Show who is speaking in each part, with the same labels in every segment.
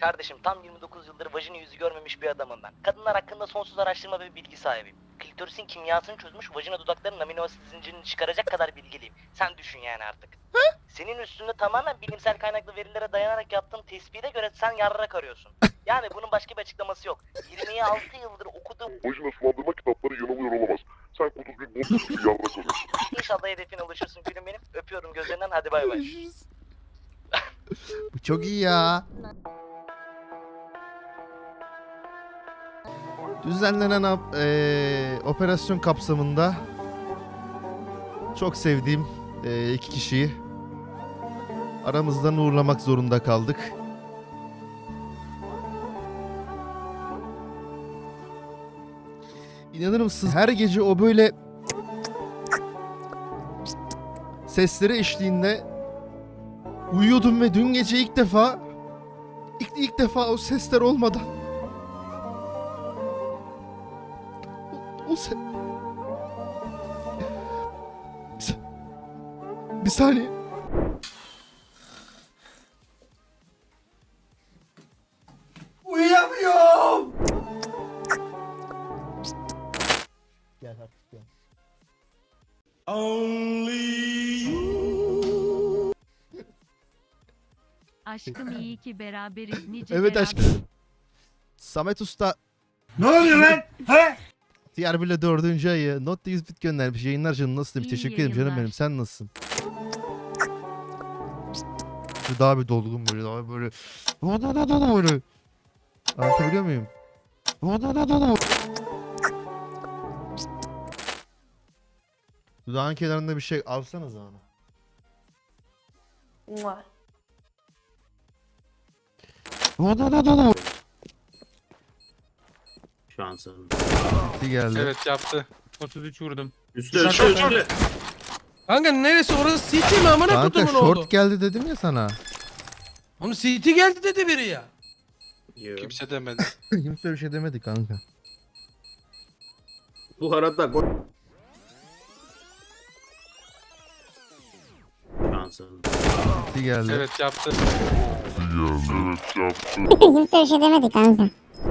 Speaker 1: Kardeşim tam 29 yıldır vajini yüzü görmemiş bir adamım ben. Kadınlar hakkında sonsuz araştırma ve bilgi sahibiyim. Klitorisin kimyasını çözmüş, vajina dudaklarının amino asit zincirini çıkaracak kadar bilgiliyim. Sen düşün yani artık. Senin üstünde tamamen bilimsel kaynaklı verilere dayanarak yaptığım tespite göre sen yarrak arıyorsun. Yani bunun başka bir açıklaması yok. 26 yıldır okuduğum
Speaker 2: Vajina sulandırma kitapları yanılıyor olamaz. Sen kuduz bir boş bir yarrak arıyorsun.
Speaker 1: İnşallah hedefine ulaşırsın gülüm benim. Öpüyorum gözlerinden, hadi bay bay.
Speaker 3: Bu çok iyi ya. Düzenlenen operasyon kapsamında çok sevdiğim iki kişiyi aramızdan uğurlamak zorunda kaldık. İnanır mısınız? Her gece o böyle sesleri eşliğinde uyuyordum ve dün gece ilk defa o sesler olmadan bir saniye.
Speaker 4: Uyuyamıyorum.
Speaker 3: Gel artık gel.
Speaker 5: Aşkım iyi ki beraberiz nice
Speaker 3: Evet
Speaker 5: beraber.
Speaker 3: aşkım. Samet Usta
Speaker 4: Ne oluyor lan? He?
Speaker 3: diğer bile 4. ayı not 100 bit göndermiş. Yayınlar canım, nasıl demiş.
Speaker 5: İyi
Speaker 3: Teşekkür ederim canım
Speaker 5: yayınlar.
Speaker 3: benim. Sen nasılsın? Daha bir dolgun böyle, daha böyle. Böyle. Anlatabiliyor muyum? Dudağın kenarında bir şey alsanız onu.
Speaker 6: Şu an sanırım.
Speaker 3: Bir geldi.
Speaker 7: Evet yaptı. 33 vurdum.
Speaker 6: Üstü üstü.
Speaker 4: Kanka neresi orası CT mi amına
Speaker 3: Kanka
Speaker 4: kutumun
Speaker 3: short
Speaker 4: oldu?
Speaker 3: geldi dedim ya sana.
Speaker 4: Onu CT geldi dedi biri ya.
Speaker 7: Kimse demedi.
Speaker 3: Kimse bir şey demedi kanka.
Speaker 6: Bu arada gol. Şu an sanırım.
Speaker 3: Bir geldi.
Speaker 7: Evet yaptı.
Speaker 8: Kimse bir şey demedi kanka.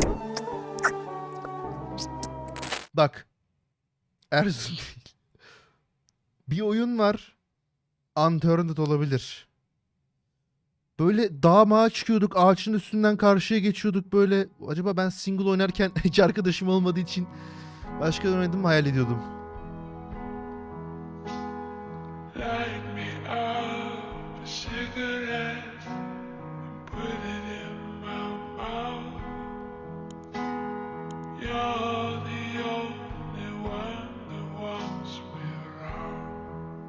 Speaker 3: Bak. Erzurum değil. Bir oyun var. Unturned olabilir. Böyle dağa mağa çıkıyorduk. Ağaçın üstünden karşıya geçiyorduk böyle. Acaba ben single oynarken hiç arkadaşım olmadığı için başka oynadım mı hayal ediyordum.
Speaker 2: Light me up, cigarette, put it in my mouth. You're